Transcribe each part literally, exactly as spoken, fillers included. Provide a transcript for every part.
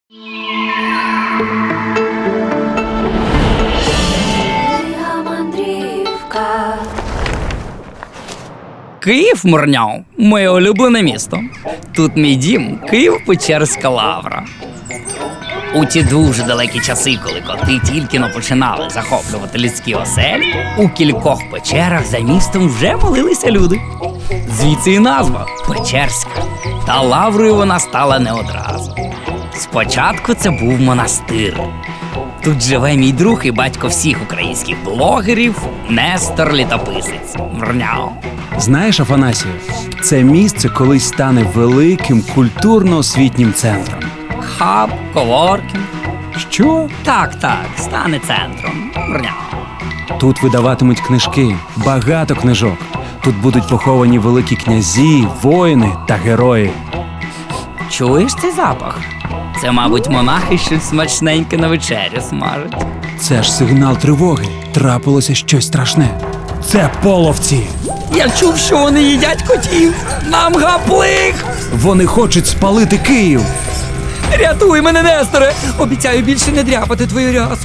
Київ, Мурняв, моє улюблене місто. Тут мій дім, Києво-Печерська лавра. У ті дуже далекі часи, коли коти тільки-но починали захоплювати людські оселі, у кількох печерах за містом вже молилися люди. Звідси і назва – Печерська. Та лаврою вона стала не одразу. Спочатку це був монастир. Тут живе мій друг і батько всіх українських блогерів Нестор Літописець. Мурняв. Знаєш, Афанасію, це місце колись стане великим культурно-освітнім центром. Хаб, коворкінг. Що? Так, так, стане центром. Мурняв. Тут видаватимуть книжки, багато книжок. Тут будуть поховані великі князі, воїни та герої. Чуєш цей запах? Це, мабуть, монахи щось смачненьке на вечерю смажать. Це ж сигнал тривоги. Трапилося щось страшне. Це половці. Я чув, що вони їдять котів. Нам гаплих! Вони хочуть спалити Київ. Рятуй мене, Несторе! Обіцяю більше не дряпати твою рясу.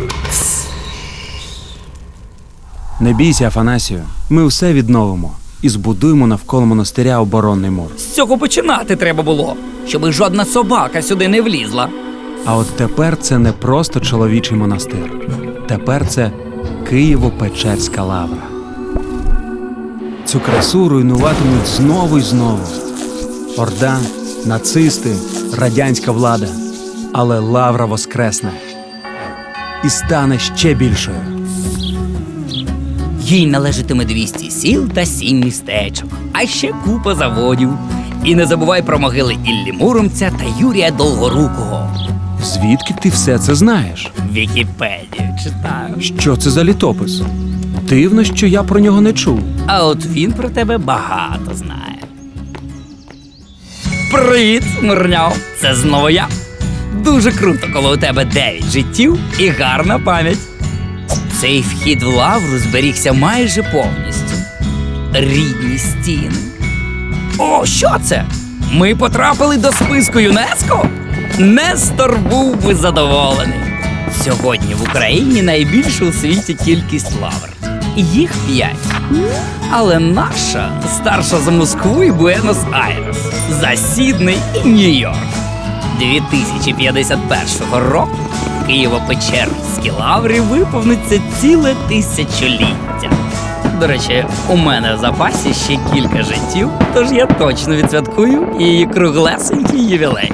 Не бійся, Афанасію. Ми все відновимо і збудуємо навколо монастиря оборонний мур. З цього починати треба було, щоби жодна собака сюди не влізла. А от тепер це не просто чоловічий монастир. Тепер це Києво-Печерська лавра. Цю красу руйнуватимуть знову й знову. Орда, нацисти, радянська влада. Але лавра воскресне. І стане ще більшою. Їй належатиме двісті сіл та сім містечок, а ще купа заводів. І не забувай про могили Іллі Муромця та Юрія Долгорукого. Звідки ти все це знаєш? Вікіпедію читаю. Що це за літопис? Дивно, що я про нього не чув. А от він про тебе багато знає. Привіт, Мурняв! Це знову я. Дуже круто, коли у тебе дев'ять життів і гарна пам'ять. Цей вхід в лавру зберігся майже повністю. Рідні стіни. О, що це? Ми потрапили до списку ЮНЕСКО? Нестор був би задоволений. Сьогодні в Україні найбільша у світі кількість лавр. Їх п'ять. Але наша старша за Москву і Буенос-Айрес, за Сідней і Нью-Йорк. дві тисячі п'ятдесят першого року Києво-Печерській лаврі виповниться ціле тисячоліття. До речі, у мене в запасі ще кілька життів, тож я точно відсвяткую її круглесенький ювілей.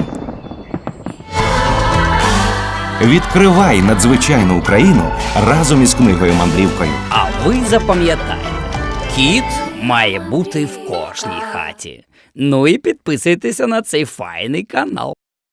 Відкривай надзвичайну Україну разом із книгою-мандрівкою. А ви запам'ятайте, кіт має бути в кожній хаті. Ну і підписуйтеся на цей файний канал.